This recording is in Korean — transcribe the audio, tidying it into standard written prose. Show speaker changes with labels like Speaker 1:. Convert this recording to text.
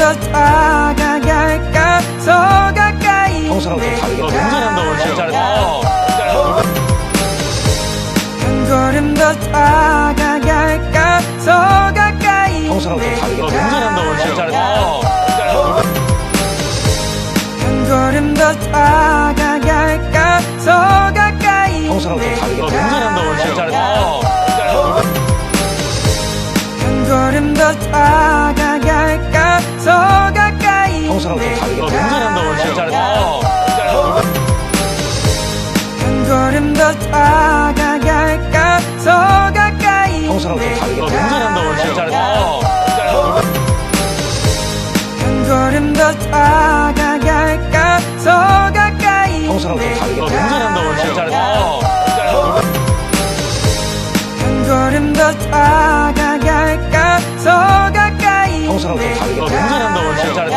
Speaker 1: 더 다가갈까 더 가까이
Speaker 2: 평소랑 좀 다르게
Speaker 3: 잘한다 오늘 진짜 잘했어.
Speaker 1: 한 걸음 더 다가갈까 더 가까이
Speaker 2: 평소랑 좀 다르게
Speaker 3: 잘한다 오늘 진짜 잘했어.
Speaker 1: 한 걸음 더 다가갈까 더 가까이
Speaker 2: 평소랑 좀 다르게
Speaker 3: 잘한다 오늘 진짜 잘했어.
Speaker 1: 한 걸음 더 다가갈까 더 가까이
Speaker 2: 평소랑 좀 다르게
Speaker 3: 잘한다 오늘 진짜 잘했어.
Speaker 1: 한 걸음 더 다가갈까 더 가까이
Speaker 2: 평소랑 좀 다르게
Speaker 3: 잘한다 오늘 진짜 잘했어.
Speaker 1: 한 걸음 더 다가갈까 더 가까이
Speaker 2: 평소랑 좀 다르게
Speaker 3: 잘한다 오늘 진짜 잘했어.
Speaker 1: 한 걸음 더 다가갈까 더 가까이
Speaker 2: 평소랑 좀 다르게
Speaker 3: 잘한다 오늘 진짜 잘했어.